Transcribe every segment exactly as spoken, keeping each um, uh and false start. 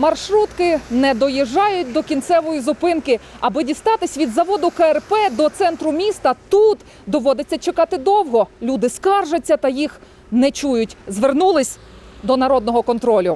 Маршрутки не доїжджають до кінцевої зупинки. Аби дістатись від заводу Ка Ер Пе до центру міста, тут доводиться чекати довго. Люди скаржаться та їх не чують. Звернулись до народного контролю.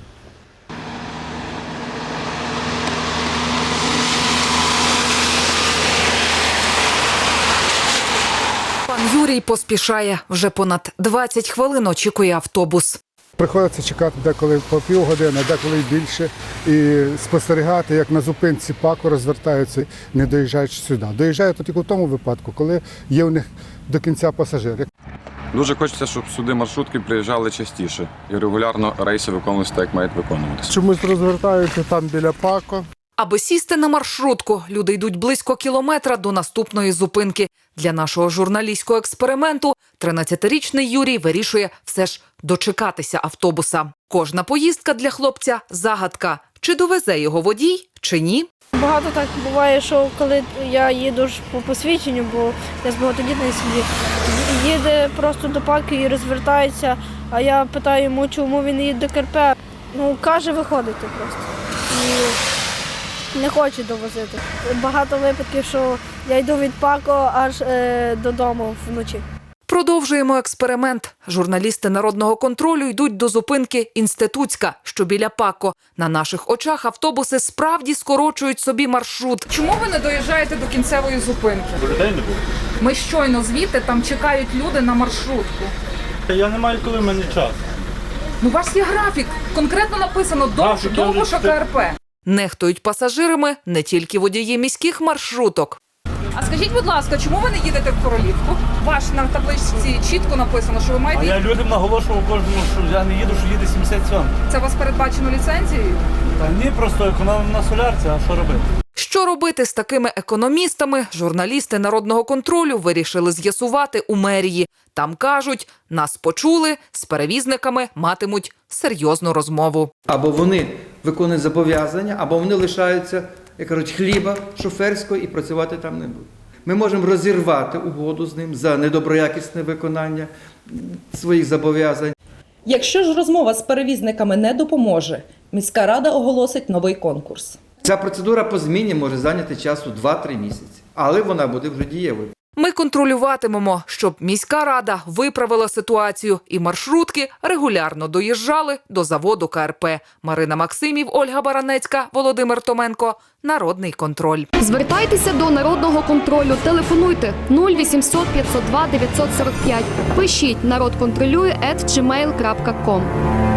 Пан Юрій поспішає. Вже понад двадцять хвилин очікує автобус. Приходиться чекати деколи по півгодини, деколи й більше, і спостерігати, як на зупинці ПАКу розвертаються, не доїжджаючи сюди. Доїжджають тільки в тому випадку, коли є у них до кінця пасажири. Дуже хочеться, щоб сюди маршрутки приїжджали частіше і регулярно рейси виконувалися так, як мають виконуватися. Чомусь розвертаються там біля ПАКу. Аби сісти на маршрутку, люди йдуть близько кілометра до наступної зупинки. Для нашого журналістського експерименту тринадцятирічний Юрій вирішує все ж дочекатися автобуса. Кожна поїздка для хлопця – загадка. Чи довезе його водій, чи ні? Багато так буває, що коли я їду ж по посвідченню, бо я з багатодітної сім'ї, їде просто до ПАКу і розвертається, а я питаю йому, чому він їде до Ка Ер Пе. Ну, каже, виходити просто. І не хоче довозити. Багато випадків, що я йду від ПАКу аж е, додому вночі. Продовжуємо експеримент. Журналісти народного контролю йдуть до зупинки Інститутська, що біля ПАКу. На наших очах автобуси справді скорочують собі маршрут. Чому ви не доїжджаєте до кінцевої зупинки? Бо людей не було. Ми щойно звідти, там чекають люди на маршрутку. Я не маю коли, в мене час. Ну, у вас є графік. Конкретно написано довше, Графік, я довго, вже що Ка Ер Пе. Нехтують пасажирами не тільки водії міських маршруток. А скажіть, будь ласка, чому ви не їдете в Королівку? Ваш на табличці чітко написано, що ви А маєте... я людям наголошував кожному, що я не їду, що їде сімдесят сьом. Це у вас передбачено ліцензією? Та ні, просто економимо на солярці, а що робити? Що робити з такими економістами, журналісти народного контролю вирішили з'ясувати у мерії. Там кажуть, нас почули, з перевізниками матимуть серйозну розмову. Або вони виконують зобов'язання, або вони лишаються, як кажуть, хліба шоферського і працювати там не будуть. Ми можемо розірвати угоду з ним за недоброякісне виконання своїх зобов'язань. Якщо ж розмова з перевізниками не допоможе, міська рада оголосить новий конкурс. Ця процедура по зміні може зайняти часу два-три місяці, але вона буде вже дієвою. Ми контролюватимемо, щоб міська рада виправила ситуацію і маршрутки регулярно доїжджали до заводу Ка Ер Пе. Марина Максимів, Ольга Баранецька, Володимир Томенко. Народний контроль. Звертайтеся до Народного контролю. Телефонуйте нуль вісімсот п'ятсот два дев'ятсот сорок п'ять. Пишіть народ контролює ет джі мейл крапка ком.